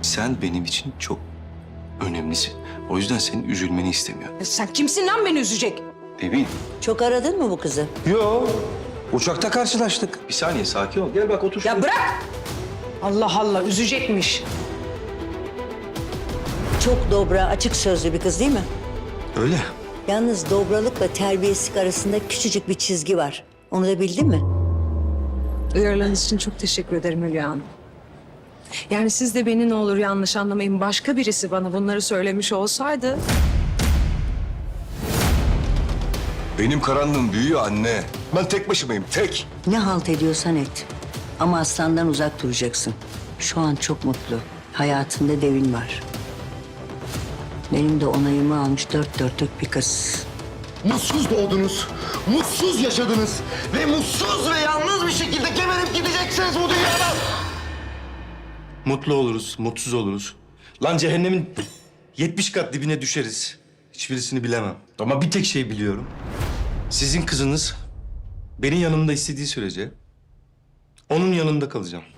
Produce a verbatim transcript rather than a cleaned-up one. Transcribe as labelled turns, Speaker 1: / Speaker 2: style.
Speaker 1: Sen benim için çok önemlisin. O yüzden senin üzülmeni istemiyorum.
Speaker 2: Ya sen kimsin lan beni üzecek?
Speaker 1: Nevin,
Speaker 3: Çok aradın mı bu kızı?
Speaker 1: yo. Uçakta karşılaştık. Bir saniye, sakin ol. Gel bak otur şuraya.
Speaker 2: Ya bırak! Allah Allah, üzecekmiş.
Speaker 3: Çok dobra, açık sözlü bir kız değil mi?
Speaker 1: Öyle.
Speaker 3: Yalnız dobralıkla terbiyesizlik arasında küçücük bir çizgi var. Onu da bildin mi?
Speaker 2: Uyarılarınız için çok teşekkür ederim Hülya Hanım. Yani siz de beni ne olur yanlış anlamayın. Başka birisi bana bunları söylemiş olsaydı...
Speaker 1: Benim karanlığım büyüyor anne. Ben tek başımayım, tek.
Speaker 3: Ne halt ediyorsan et. Ama aslandan uzak duracaksın. Şu an çok mutlu. Hayatında devin var. Benim de onayımı almış dört dörtlük bir kız.
Speaker 4: Mutsuz doğdunuz, mutsuz yaşadınız ve mutsuz ve yalnız bir şekilde geberip gideceksiniz bu dünyadan.
Speaker 1: Mutlu oluruz, mutsuz oluruz. Lan cehennemin yetmiş kat dibine düşeriz. Hiçbirisini bilemem. Ama bir tek şey biliyorum. Sizin kızınız benim yanımda istediği sürece onun yanında kalacağım.